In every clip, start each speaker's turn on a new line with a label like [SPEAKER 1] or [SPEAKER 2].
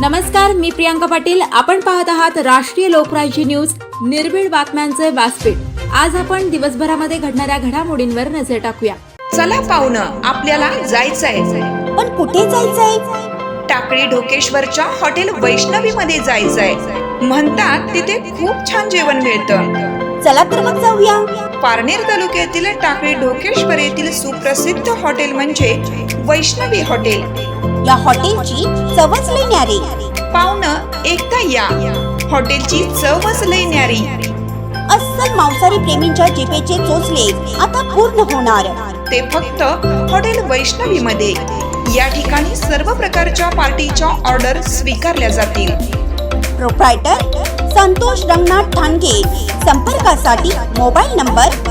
[SPEAKER 1] नमस्कार, मी प्रियांका पाटील. आपण पाहत आहात राष्ट्रीय लोकराज्य न्यूज, निर्भीड बातम्यांचे व्यासपीठ. आज आपण दिवसभरामध्ये घडणाऱ्या घडामोडींवर नजर टाकूया.
[SPEAKER 2] चला पाहुणं, आपल्याला जायचंय.
[SPEAKER 3] पण कुठे जायचंय?
[SPEAKER 2] टाकळी ढोकेश्वरच्या हॉटेल वैष्णवी मध्ये जायचंय. म्हणतात तिथे खूप छान जेवण मिळतं.
[SPEAKER 3] चला तर मग जाऊया.
[SPEAKER 2] पारनेर तालुक्यातील टाकळी ढोकेश्वर येथील सुप्रसिद्ध हॉटेल म्हणजे वैष्णवी हॉटेल.
[SPEAKER 3] या हॉटेलची चवच लई न्यारी.
[SPEAKER 2] पाहुणं, एकदा या. हॉटेलची चवच लई न्यारी.
[SPEAKER 3] अस्सल मांसाहारी प्रेमींच्या जिभेचे चोचले आता पूर्ण होणार.
[SPEAKER 2] ते फक्त हॉटेल वैष्णवी मध्ये. या ठिकाणी सर्व प्रकारच्या पार्टीच्या ऑर्डर स्वीकारल्या जातील.
[SPEAKER 3] प्रोप्रायटर संतोष रंगनाथ ठाणगे. संपर्कासाठी मोबाईल नंबर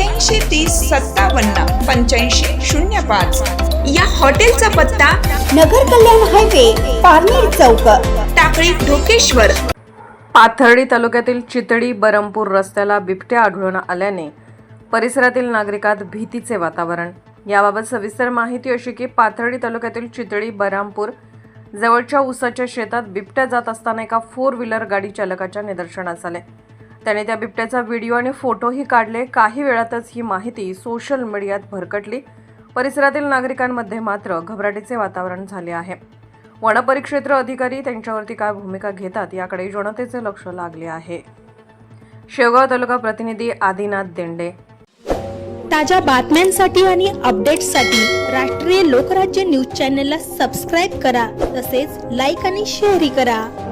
[SPEAKER 2] 8830578505. या हॉटेलचा पत्ता
[SPEAKER 3] नगर कल्याण हायवे, पारनेर चौक,
[SPEAKER 2] टाकळी ढोकेश्वर.
[SPEAKER 4] पाथर्डी तालुक्यातील चितळी बरमपूर रस्त्याला बिबट्या आढळून आल्याने परिसरातील नागरिकात भीतीचे वातावरण. याबाबत सविस्तर माहिती अशी की पाथर्डी तालुक्यातील चितळी बरमपूर जवळच्या ऊसाच्या शेतात बिबट्या जात असताना एका 4 व्हीलर गाडी चालकाच्या निदर्शनास आले. त्याने त्या बिबट्याचा व्हिडिओ आणि फोटोही काढले. काही वेळातच ही माहिती सोशल मीडियात भरकटली. परिसरातील नागरिकांमध्ये मात्र घबराटीचे वातावरण झाले आहे. वनपरिक्षेत्र अधिकारी त्यांच्यावरती काय भूमिका घेतात याकडे जनतेचे लक्ष लागले आहे. शेवगाव तालुका प्रतिनिधी आदिनाथ देंडे.
[SPEAKER 5] ताज्या बातम्यांसाठी आणि अपडेट्ससाठी राष्ट्रीय लोकराज्य न्यूज चॅनलला सबस्क्राईब करा. तसेच लाईक आणि शेअरही करा.